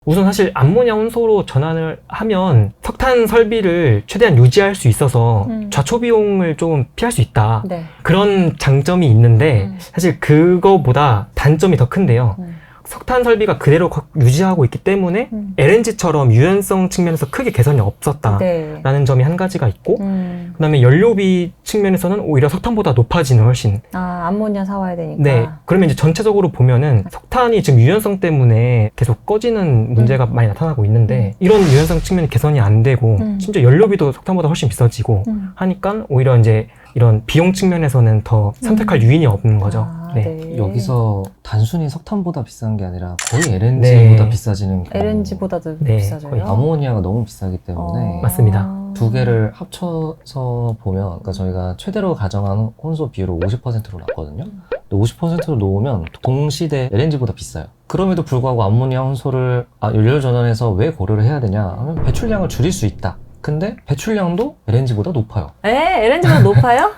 우선 사실 암모니아 혼소로 전환을 하면 석탄 설비를 최대한 유지할 수 있어서 좌초 비용을 좀 피할 수 있다. 네. 그런 장점이 있는데 사실 그거보다 단점이 더 큰데요. 석탄 설비가 그대로 유지하고 있기 때문에 LNG처럼 유연성 측면에서 크게 개선이 없었다라는 네. 점이 한 가지가 있고 그다음에 연료비 측면에서는 오히려 석탄보다 높아지는 훨씬 암모니아 사와야 되니까. 네. 그러면 이제 전체적으로 보면은 석탄이 지금 유연성 때문에 계속 꺼지는 문제가 많이 나타나고 있는데 이런 유연성 측면이 개선이 안 되고 심지어 연료비도 석탄보다 훨씬 비싸지고 하니까 오히려 이제 이런 비용 측면에서는 더 선택할 유인이 없는 거죠. 네. 여기서 단순히 석탄보다 비싼 게 아니라 거의 LNG보다 비싸지는 경우. LNG보다도 네, 비싸져요. 거의 아모니아가 너무 비싸기 때문에 맞습니다. 두 개를 합쳐서 보면, 그러니까 저희가 최대로 가정한 혼소 비율을 50%로 놨거든요. 근데 50%로 놓으면 동시대 LNG보다 비싸요. 그럼에도 불구하고 암모니아 혼소를 연료 전환해서 왜 고려를 해야 되냐 하면 배출량을 줄일 수 있다. 근데 배출량도 LNG보다 높아요. LNG보다 높아요?